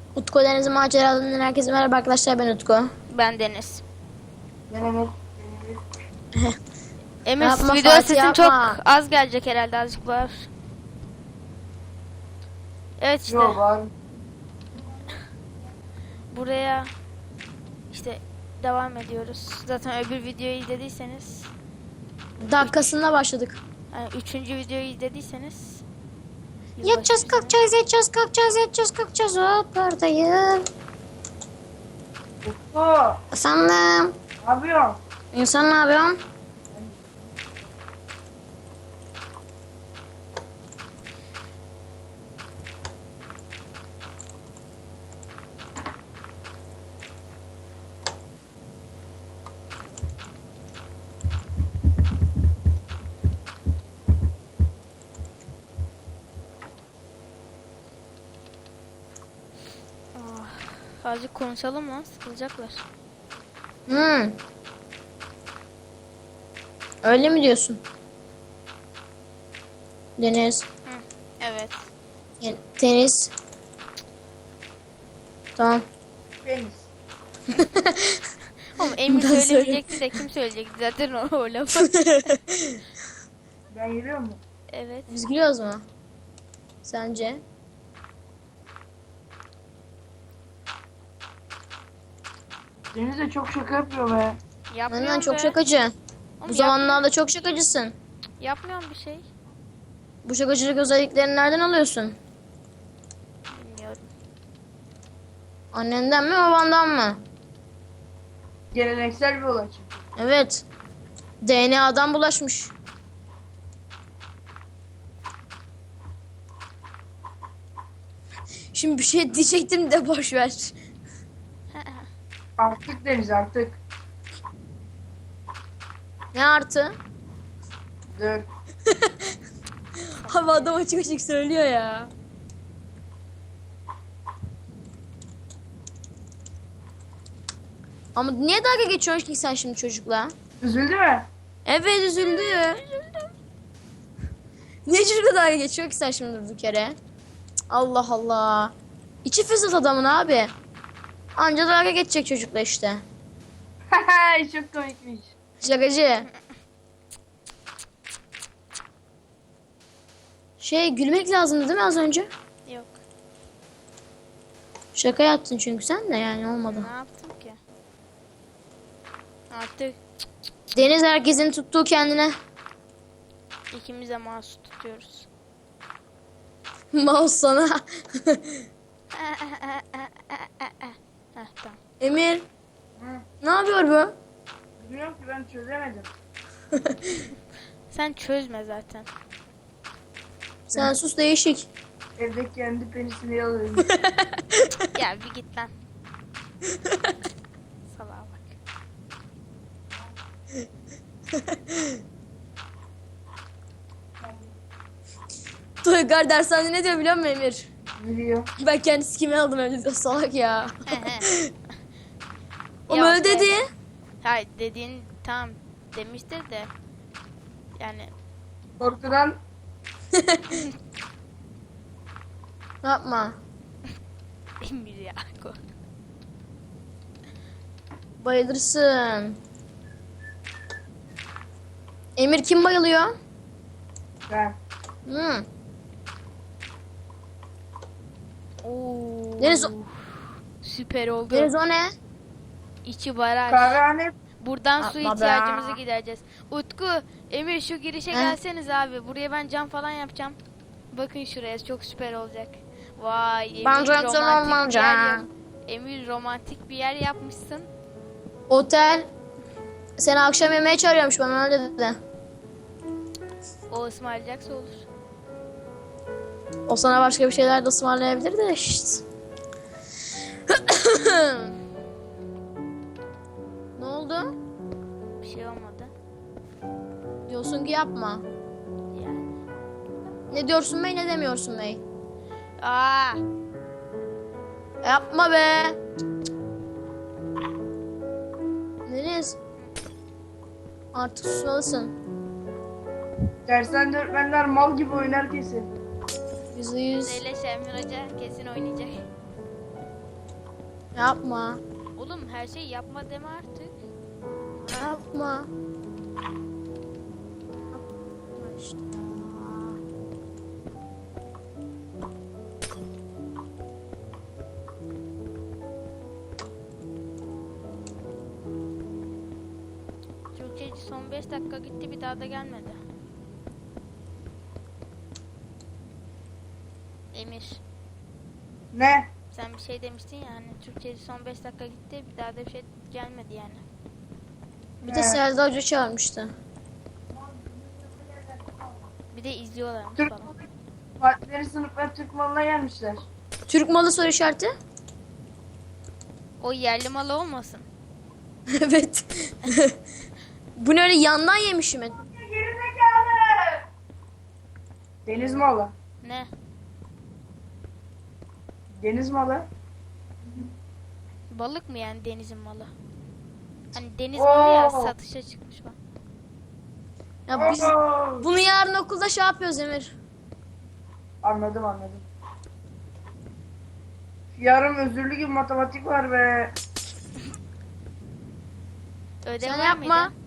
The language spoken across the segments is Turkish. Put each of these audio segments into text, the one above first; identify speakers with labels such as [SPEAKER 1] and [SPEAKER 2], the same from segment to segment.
[SPEAKER 1] Utku Deniz Maceralarından herkese merhaba arkadaşlar, ben Utku.
[SPEAKER 2] Ben Deniz.
[SPEAKER 3] Ben Emir.
[SPEAKER 2] Emir
[SPEAKER 1] Yapma
[SPEAKER 2] video
[SPEAKER 1] Fatih,
[SPEAKER 2] sesin
[SPEAKER 1] yapma.
[SPEAKER 2] çok az gelecek herhalde, azıcık var. Evet işte
[SPEAKER 3] Yok abi.
[SPEAKER 2] buraya işte devam ediyoruz. Zaten öbür videoyu izlediyseniz,
[SPEAKER 1] Dakikasında başladık.
[SPEAKER 2] yani 3. videoyu izlediyseniz
[SPEAKER 1] Yatacağız kalkacağız, yatacağız kalkacağız, yatacağız kalkacağız. Hop oradayım.
[SPEAKER 3] Utku.
[SPEAKER 1] Sandım.
[SPEAKER 3] Ne yapıyorsun?
[SPEAKER 1] İnsan ne yapıyorsun?
[SPEAKER 2] azıcık konuşalım lan, sıkılacaklar.
[SPEAKER 1] Öyle mi diyorsun? Deniz.
[SPEAKER 2] Evet.
[SPEAKER 1] Deniz. Tamam.
[SPEAKER 3] Deniz.
[SPEAKER 2] Ama Emir
[SPEAKER 1] Ben
[SPEAKER 2] söylemeyecekti de kim söyleyecekti zaten o lafı.
[SPEAKER 3] Ben yürüyor mu?
[SPEAKER 2] Evet.
[SPEAKER 1] Biz gülüyoruz mu? Sence?
[SPEAKER 3] Deniz de çok şaka yapıyor be.
[SPEAKER 2] Yapmıyorum
[SPEAKER 1] Benden çok
[SPEAKER 2] be.
[SPEAKER 1] şakacı.
[SPEAKER 2] Oğlum
[SPEAKER 1] Bu zamanlarda çok şakacısın.
[SPEAKER 2] yapmıyorum bir şey.
[SPEAKER 1] Bu şakacılık özelliklerini nereden alıyorsun?
[SPEAKER 2] Bilmiyorum.
[SPEAKER 1] Annenden mi, babandan mı?
[SPEAKER 3] Geleneksel bir olay çünkü.
[SPEAKER 1] Evet. DNA'dan bulaşmış. Şimdi bir şey diyecektim de boş ver.
[SPEAKER 3] Artık Deniz artık.
[SPEAKER 1] Ne artı?
[SPEAKER 3] Dur.
[SPEAKER 1] Abi adam açık açık söylüyor ya. Ama niye dalga geçiyorsun ki sen şimdi çocukla?
[SPEAKER 3] Üzüldü mü?
[SPEAKER 1] Evet, üzüldü. Niye çocukla dalga geçiyor ki sen şimdi durduk yere? Cık, Allah Allah. İçi fesat adamın abi. Anca dalga geçecek çocukla işte.
[SPEAKER 3] Çok komikmiş.
[SPEAKER 1] Şakacı. Gülmek lazımdı değil mi az önce?
[SPEAKER 2] Yok.
[SPEAKER 1] Şaka yaptın çünkü sen de, yani olmadı.
[SPEAKER 2] Ne yaptım ki? Artık
[SPEAKER 1] Deniz herkesin tuttuğu kendine.
[SPEAKER 2] ikimiz de mahsus tutuyoruz.
[SPEAKER 1] Mouse sana.
[SPEAKER 2] Heh, tamam.
[SPEAKER 1] Emir.
[SPEAKER 3] Hı.
[SPEAKER 1] Ne yapıyor bu?
[SPEAKER 3] Bilmiyorum ki, ben çözemedim.
[SPEAKER 2] Sen çözme zaten.
[SPEAKER 1] Sen sus, değişik.
[SPEAKER 3] Evde kendi penisini yalıyorum.
[SPEAKER 2] Gel bir git lan. Salağa bak.
[SPEAKER 1] Toygar dershanede ne diyor biliyor musun Emir?
[SPEAKER 3] Biliyor.
[SPEAKER 1] Ben kendi sikimi aldım öyle diyor, salak ya. O
[SPEAKER 2] Yok
[SPEAKER 1] öyle
[SPEAKER 2] be.
[SPEAKER 1] dedi.
[SPEAKER 2] Hayır, dediğin tam demiştir de. Yani
[SPEAKER 3] Korkudan
[SPEAKER 1] Yapma.
[SPEAKER 2] Emir ya.
[SPEAKER 1] Bayılırsın. Emir, kim bayılıyor?
[SPEAKER 3] ben.
[SPEAKER 1] Hı.
[SPEAKER 2] Oo.
[SPEAKER 1] Deniz,
[SPEAKER 2] Süper oldu.
[SPEAKER 1] Deniz o ne?
[SPEAKER 2] İçi baraj.
[SPEAKER 3] Kahvehane.
[SPEAKER 2] Buradan su
[SPEAKER 1] Yapma be.
[SPEAKER 2] ihtiyacımızı gidereceğiz. Utku, Emir şu girişe
[SPEAKER 1] He?
[SPEAKER 2] gelseniz abi. Buraya ben cam falan yapacağım. Bakın şuraya, çok süper olacak. Vay, Emir
[SPEAKER 1] Ben cam
[SPEAKER 2] romantik bir yer
[SPEAKER 1] olmayacağım.
[SPEAKER 2] yap- Emir romantik bir yer yapmışsın.
[SPEAKER 1] Otel. Seni akşam yemeğe çağırıyormuş, bana öyle dedi.
[SPEAKER 2] O ısmarlayacaksa olur.
[SPEAKER 1] O sana başka bir şeyler de ısmarlayabilir de işte. Ne oldu?
[SPEAKER 2] Bir şey olmadı.
[SPEAKER 1] Diyorsun ki yapma.
[SPEAKER 2] Yani.
[SPEAKER 1] Ne diyorsun bey, ne demiyorsun bey?
[SPEAKER 2] Aa,
[SPEAKER 1] Yapma be. Deniz. Artık susmalısın.
[SPEAKER 3] Dersten öğretmenler mal gibi oynar kesin.
[SPEAKER 1] %100.
[SPEAKER 2] Zeyle Şemir Hoca kesin oynayacak.
[SPEAKER 1] Yapma.
[SPEAKER 2] Oğlum her şeyi yapma deme artık.
[SPEAKER 1] Yapma. İşte.
[SPEAKER 2] Türkçeci son 5 dakika gitti, bir daha da gelmedi. Emir,
[SPEAKER 3] Ne?
[SPEAKER 2] sen bir şey demiştin ya hani Türkçeci son 5 dakika gitti, bir daha da bir şey gelmedi yani.
[SPEAKER 1] Bir de Selda Hoca çağırmıştı.
[SPEAKER 2] Bir de izliyorlarmış
[SPEAKER 3] Türk
[SPEAKER 2] falan.
[SPEAKER 3] Fatihleri sınıflar Türk malına gelmişler.
[SPEAKER 1] Türk malı soru işareti?
[SPEAKER 2] O yerli malı olmasın.
[SPEAKER 1] Evet. Bu ne öyle yandan yemişim ben.
[SPEAKER 3] Deniz malı.
[SPEAKER 2] Ne?
[SPEAKER 3] Deniz malı.
[SPEAKER 2] Balık mı yani denizin malı? Hani deniz malı ya,
[SPEAKER 3] Oo.
[SPEAKER 2] satışa çıkmış bak.
[SPEAKER 1] Ya biz
[SPEAKER 3] Oo.
[SPEAKER 1] bunu yarın okulda şey yapıyoruz Emir.
[SPEAKER 3] Anladım. Yarın özürlü gibi matematik var be.
[SPEAKER 2] Ödev
[SPEAKER 1] Sen
[SPEAKER 2] var
[SPEAKER 1] yapma.
[SPEAKER 2] mıydı?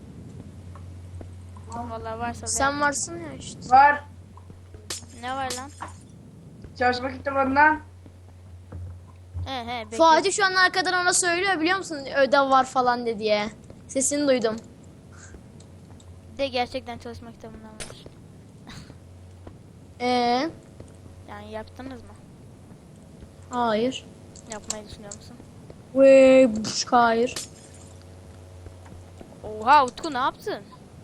[SPEAKER 2] Vallahi varsa da
[SPEAKER 1] Sen
[SPEAKER 2] yap.
[SPEAKER 1] varsın ya işte.
[SPEAKER 3] Var.
[SPEAKER 2] Ne var lan?
[SPEAKER 3] Çalışma kitabından.
[SPEAKER 2] He bekle.
[SPEAKER 1] Fatih şu an arkadan ona söylüyor biliyor musun? Ödev var falan de diye. Sesini duydum.
[SPEAKER 2] De gerçekten çalışma kitabından var.
[SPEAKER 1] Ee,
[SPEAKER 2] Yani yaptınız mı?
[SPEAKER 1] hayır.
[SPEAKER 2] Yapmayı düşünüyor musun?
[SPEAKER 1] Hayır.
[SPEAKER 2] Oha Utku, ne yaptın?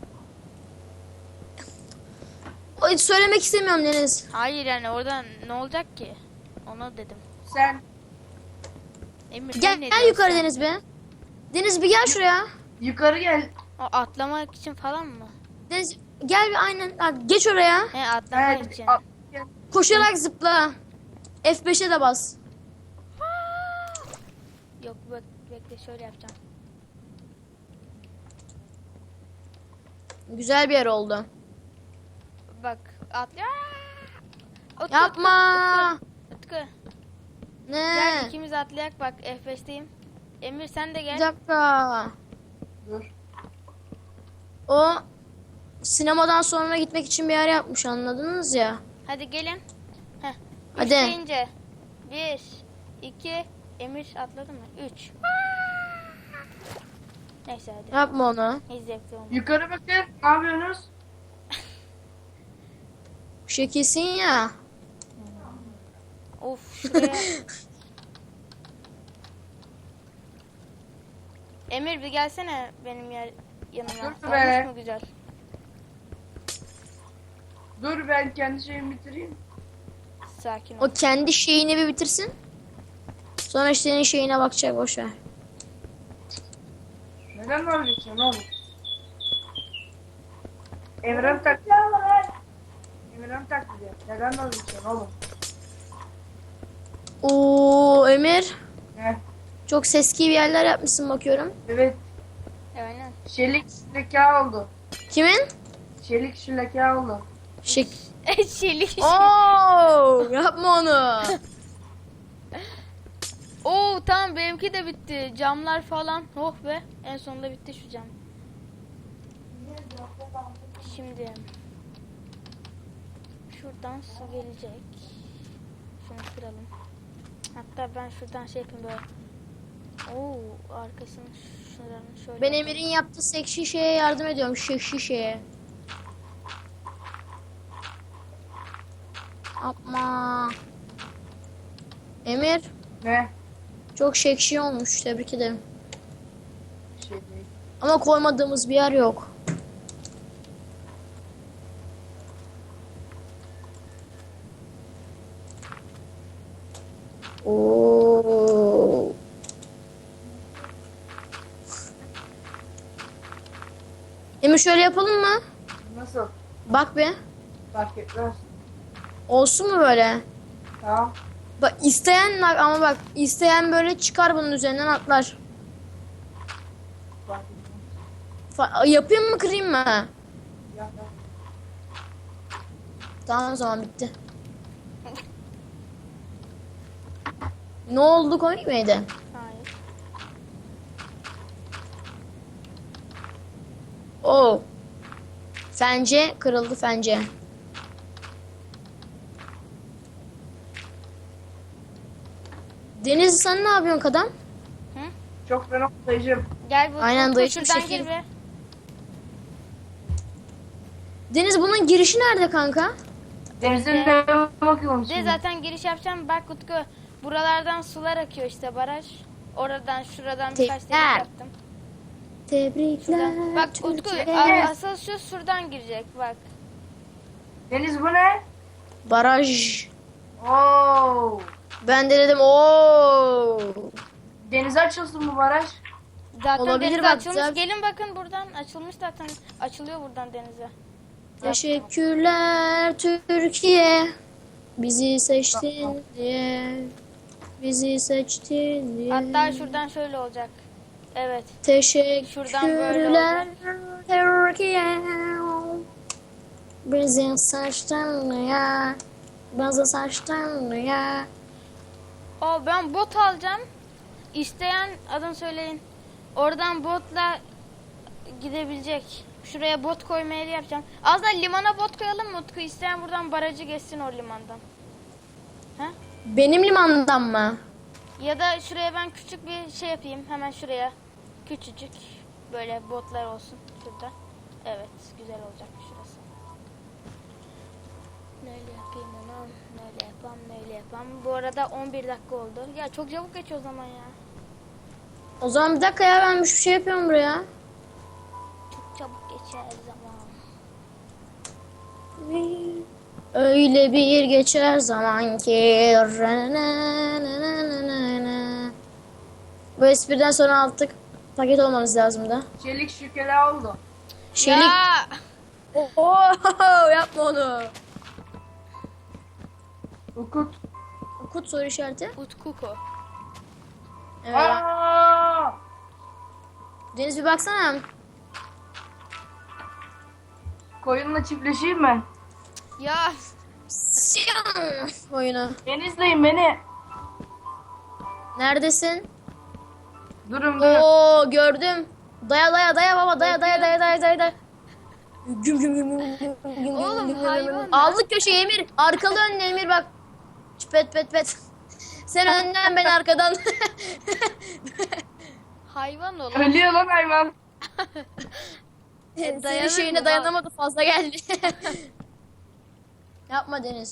[SPEAKER 1] Söylemek istemiyorum Deniz.
[SPEAKER 2] Hayır yani oradan ne olacak ki? Onu dedim.
[SPEAKER 3] Sen
[SPEAKER 2] Emir
[SPEAKER 1] Gel,
[SPEAKER 2] sen ne
[SPEAKER 1] gel
[SPEAKER 2] diyorsun?
[SPEAKER 1] yukarı Deniz be. Deniz bir gel şuraya.
[SPEAKER 3] yukarı gel.
[SPEAKER 2] O atlamak için falan mı?
[SPEAKER 1] Deniz gel bir aynen. Ha, geç oraya.
[SPEAKER 2] He atlamak
[SPEAKER 3] Evet.
[SPEAKER 2] için.
[SPEAKER 3] Gel.
[SPEAKER 1] Koşarak zıpla. F5'e de bas.
[SPEAKER 2] Yok bekle şöyle yapacağım.
[SPEAKER 1] Güzel bir yer oldu.
[SPEAKER 2] Bak atlıyor. Utku,
[SPEAKER 1] Yapma.
[SPEAKER 2] Utku.
[SPEAKER 1] Ne?
[SPEAKER 2] Gel ikimiz atlayak, bak F5'teyim. Emir sen de
[SPEAKER 1] Bir
[SPEAKER 2] gel.
[SPEAKER 1] dakika.
[SPEAKER 3] Dur.
[SPEAKER 1] O sinemadan sonra gitmek için bir yer yapmış anladınız ya.
[SPEAKER 2] Hadi gelin. Heh.
[SPEAKER 1] Hadi.
[SPEAKER 2] Üç deyince. 1, 2, Emir atladı mı? 3. Neyse hadi.
[SPEAKER 1] Yapma onu.
[SPEAKER 2] Hiç zevkli olmadı.
[SPEAKER 3] Yukarı bakın. Ne yapıyorsunuz?
[SPEAKER 1] Şekilsin ya.
[SPEAKER 2] Of şuraya. Emir bir gelsene benim yanıma.
[SPEAKER 3] Dur be.
[SPEAKER 2] Olmuş mu güzel?
[SPEAKER 3] Dur ben kendi şeyimi bitireyim.
[SPEAKER 2] Sakin ol.
[SPEAKER 1] O kendi şeyini bir bitirsin. Sonra senin şeyine bakacak boşver.
[SPEAKER 3] Neden vazgeçiyorsun oğlum? Evren tak. Evren taklidi. Neden vazgeçiyorsun oğlum?
[SPEAKER 1] Oo Emir.
[SPEAKER 3] Ne?
[SPEAKER 1] Çok seski bir yerler yapmışsın bakıyorum.
[SPEAKER 3] Evet.
[SPEAKER 2] Aynen.
[SPEAKER 3] Şelik leka oldu.
[SPEAKER 1] Kimin?
[SPEAKER 3] Şelik şu leka oldu.
[SPEAKER 1] Şek.
[SPEAKER 2] Çelik.
[SPEAKER 1] Oo yapma onu.
[SPEAKER 2] Oo tamam, benimki de bitti. Camlar falan. Oh be. En sonunda bitti şu cam. Şimdi şuradan su gelecek. Şunu kıralım. Hatta ben şuradan şey yapayım böyle. Oo arkasını şuradan şöyle.
[SPEAKER 1] Ben Emir'in yaptığı seksi şeye yardım ediyorum. Seksi şeye. Yapma. Emir
[SPEAKER 3] Ne?
[SPEAKER 1] çok seksi olmuş. Tebrik ederim.
[SPEAKER 3] Şey değil.
[SPEAKER 1] Ama koymadığımız bir yer yok. Oo. Emir şöyle yapalım mı?
[SPEAKER 3] Nasıl?
[SPEAKER 1] Bak be.
[SPEAKER 3] Fark etmez.
[SPEAKER 1] Olsun mu böyle?
[SPEAKER 3] Tamam.
[SPEAKER 1] Bak isteyen ama bak isteyen böyle çıkar bunun üzerinden atlar.
[SPEAKER 3] Fark etmez.
[SPEAKER 1] Yapayım mı kırayım mı?
[SPEAKER 3] Ya, ya.
[SPEAKER 1] Tamam o zaman bitti. Ne oldu, komik miydi?
[SPEAKER 2] Hayır.
[SPEAKER 1] Oo. Fence kırıldı, fence. Deniz, sen ne yapıyorsun kadam?
[SPEAKER 2] Hı?
[SPEAKER 3] Çok fena dayıcım.
[SPEAKER 2] Gel bu
[SPEAKER 1] Aynen,
[SPEAKER 2] Utku,
[SPEAKER 1] dayı, şu
[SPEAKER 2] şuradan
[SPEAKER 1] şekil.
[SPEAKER 2] gir be.
[SPEAKER 1] Deniz, bunun girişi nerede kanka?
[SPEAKER 3] Denizin
[SPEAKER 2] De-
[SPEAKER 3] ne bakıyorum
[SPEAKER 2] De
[SPEAKER 3] şimdi.
[SPEAKER 2] zaten giriş yapacağım. Bak Utku, buralardan sular akıyor işte, baraj. Oradan şuradan birkaç
[SPEAKER 1] Tebrikler.
[SPEAKER 2] delik yaptım.
[SPEAKER 1] Tebrikler.
[SPEAKER 2] Şuradan. Bak Utku,
[SPEAKER 1] Türkiye.
[SPEAKER 2] asıl şu şuradan girecek bak.
[SPEAKER 3] Deniz bu ne?
[SPEAKER 1] Baraj.
[SPEAKER 3] Oo.
[SPEAKER 1] Ben de dedim ooo.
[SPEAKER 3] Denize açılsın bu baraj.
[SPEAKER 2] Zaten
[SPEAKER 1] Olabilir,
[SPEAKER 2] denize
[SPEAKER 1] bak,
[SPEAKER 2] açılmış.
[SPEAKER 1] güzel.
[SPEAKER 2] Gelin bakın, buradan açılmış zaten. Açılıyor buradan denize.
[SPEAKER 1] Teşekkürler Türkiye. Bizi seçtin diye. Bizi seçtin diye.
[SPEAKER 2] Hatta şuradan şöyle olacak. Evet. Şuradan böyle
[SPEAKER 1] Teşekkürler Türkiye. Bizi seçtin diye. Bizi seçtin diye.
[SPEAKER 2] Ben bot alacağım. İsteyen adını söyleyin. Oradan botla gidebilecek. Şuraya bot koyma yeri yapacağım. Az da limana bot koyalım mı Utku? İsteyen buradan barajı geçsin o limandan. Ha?
[SPEAKER 1] Benim limandan mı?
[SPEAKER 2] Ya da şuraya ben küçük bir şey yapayım. Hemen şuraya. Küçücük. Böyle botlar olsun şurada. Evet, güzel olacak şurası. Neyle yapayım onu? Neyle yapam, neyle yapam. Bu arada 11 dakika oldu. Ya çok çabuk geçiyor o zaman ya.
[SPEAKER 1] O zaman bir dakika ya, ben bir şey yapıyorum buraya.
[SPEAKER 2] Çok çabuk geçer zaman.
[SPEAKER 1] Öyle bir geçer zaman ki. Bu espriden sonra artık paket olmamız lazım da.
[SPEAKER 3] Çelik şükela oldu.
[SPEAKER 1] Şelik.
[SPEAKER 2] Ya!
[SPEAKER 1] Oho, yapma onu.
[SPEAKER 3] Ukut.
[SPEAKER 1] Okut soru işareti.
[SPEAKER 2] Utkuko.
[SPEAKER 1] Evet.
[SPEAKER 3] Aa!
[SPEAKER 1] Deniz, bir baksana.
[SPEAKER 3] Koyunla çiftleşeyim ben.
[SPEAKER 2] Ya
[SPEAKER 1] Siyam oyunu.
[SPEAKER 3] Deniz'deyim beni.
[SPEAKER 1] Neredesin?
[SPEAKER 3] Durun.
[SPEAKER 1] Oo, gördüm. Daya daya daya baba, daya daya daya daya daya daya. Güm güm güm güm güm güm
[SPEAKER 2] Oğlum,
[SPEAKER 1] güm güm
[SPEAKER 2] hayvan
[SPEAKER 1] güm.
[SPEAKER 2] ya.
[SPEAKER 1] Aldık köşeyi Emir. Arkalı önlü Emir, bak. Pet pet pet. Sen önden, ben arkadan.
[SPEAKER 2] hayvan ol.
[SPEAKER 3] Ölüyor lan hayvan.
[SPEAKER 1] Senin
[SPEAKER 2] dayanır
[SPEAKER 1] şeyine
[SPEAKER 2] mı?
[SPEAKER 1] dayanamadı, fazla geldi. Yapma Deniz.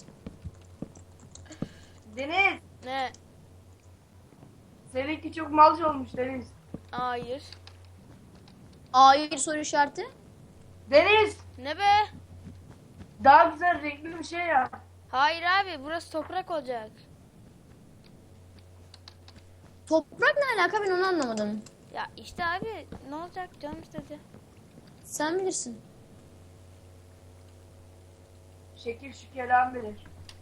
[SPEAKER 3] Deniz.
[SPEAKER 2] Ne?
[SPEAKER 3] Seninki çok malca olmuş Deniz.
[SPEAKER 2] Hayır.
[SPEAKER 1] Hayır soru işareti.
[SPEAKER 3] Deniz.
[SPEAKER 2] Ne be?
[SPEAKER 3] Daha güzel renkli bir şey ya.
[SPEAKER 2] Hayır abi, burası toprak olacak.
[SPEAKER 1] Toprak ne alaka, ben onu anlamadım.
[SPEAKER 2] Ya işte abi, ne olacak, canım istedi.
[SPEAKER 1] Sen bilirsin.
[SPEAKER 3] Şekil şükelan bilir.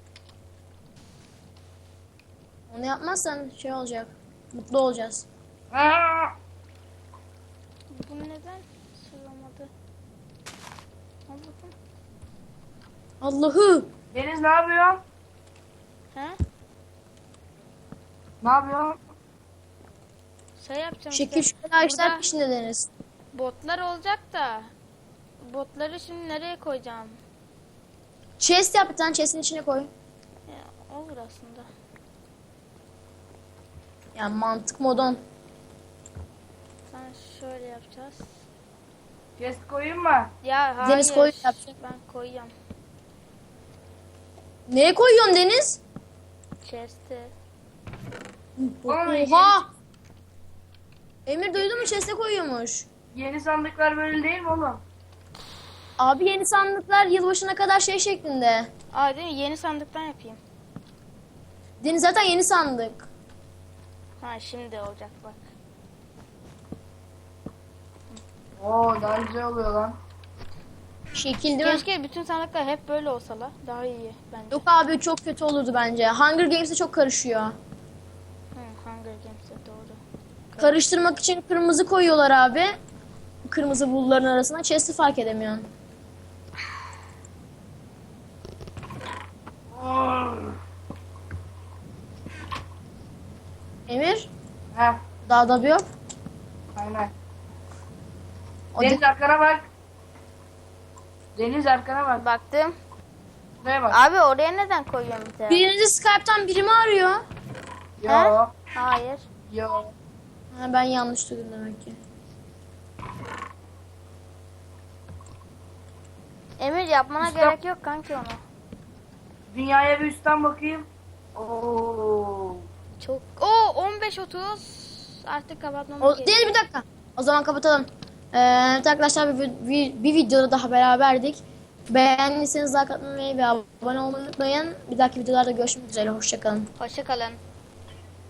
[SPEAKER 1] Onu yapmazsan şey olacak. Mutlu olacağız.
[SPEAKER 3] Aa!
[SPEAKER 2] Bu neden sığamadı? Allah'ım.
[SPEAKER 1] Allah'ı.
[SPEAKER 3] Deniz ne yapıyorsun?
[SPEAKER 2] He?
[SPEAKER 3] Ne yapıyorsun?
[SPEAKER 2] Şey yapacağım
[SPEAKER 1] Şekil
[SPEAKER 2] işte.
[SPEAKER 1] şükür ağaçlar
[SPEAKER 2] Burada
[SPEAKER 1] peşinde Deniz.
[SPEAKER 2] botlar olacak da. Botları şimdi nereye koyacağım?
[SPEAKER 1] Chest yap, bir tane chest'in içine koy.
[SPEAKER 2] Ya, olur aslında.
[SPEAKER 1] Ya mantık modon.
[SPEAKER 2] Ben şöyle yapacağız.
[SPEAKER 3] Chest koyayım mı?
[SPEAKER 2] Ya hayır.
[SPEAKER 1] Deniz koy yapacak.
[SPEAKER 2] Ben koyacağım.
[SPEAKER 1] Neye koyuyorsun Deniz?
[SPEAKER 2] Chest'e.
[SPEAKER 1] Oha! Emir duydun mu, chest'e koyuyormuş.
[SPEAKER 3] Yeni sandıklar böyle değil mi oğlum?
[SPEAKER 1] Abi yeni sandıklar yılbaşına kadar şey şeklinde.
[SPEAKER 2] Aa, değil mi? Yeni sandıktan yapayım.
[SPEAKER 1] Deniz zaten yeni sandık.
[SPEAKER 2] Ha, şimdi olacak bak.
[SPEAKER 3] Oo daha güzel oluyor lan.
[SPEAKER 1] Şekil değil mi?
[SPEAKER 2] Keşke bütün sandıklar hep böyle olsalar. Daha iyi bence.
[SPEAKER 1] Yok abi, çok kötü olurdu bence. Hunger Games'e çok karışıyor.
[SPEAKER 2] Hunger Games'e doğru.
[SPEAKER 1] Karıştırmak için kırmızı koyuyorlar abi. Kırmızı bulutların arasına. Chest'i fark edemiyorsun. Emir,
[SPEAKER 3] Heh,
[SPEAKER 1] dağda bir yok.
[SPEAKER 3] aynen.
[SPEAKER 1] O
[SPEAKER 3] Deniz arkana bak. Deniz arkana bak.
[SPEAKER 2] Baktım.
[SPEAKER 3] Buraya bak.
[SPEAKER 2] Abi oraya neden koyuyorum bir de?
[SPEAKER 1] Birinci Skype'tan biri mi arıyor?
[SPEAKER 3] Yo.
[SPEAKER 2] Hayır.
[SPEAKER 3] Yo.
[SPEAKER 1] Ha, ben yanlış duydum demek ki.
[SPEAKER 2] Emir yapmana
[SPEAKER 3] Usta-
[SPEAKER 2] gerek yok kanki onu.
[SPEAKER 3] Dünyaya bir üstten bakayım. Oo.
[SPEAKER 2] Çok. Oo 15-30. Artık kapatmamız
[SPEAKER 1] O,
[SPEAKER 2] gerekiyor.
[SPEAKER 1] değil, bir dakika. O zaman kapatalım. Evet arkadaşlar, bir videoda daha beraberdik. Beğendiyseniz like atmayı ve abone olmayı unutmayın. Bir dahaki videolarda görüşmek üzere. Hoşçakalın.
[SPEAKER 2] Hoşça kalın.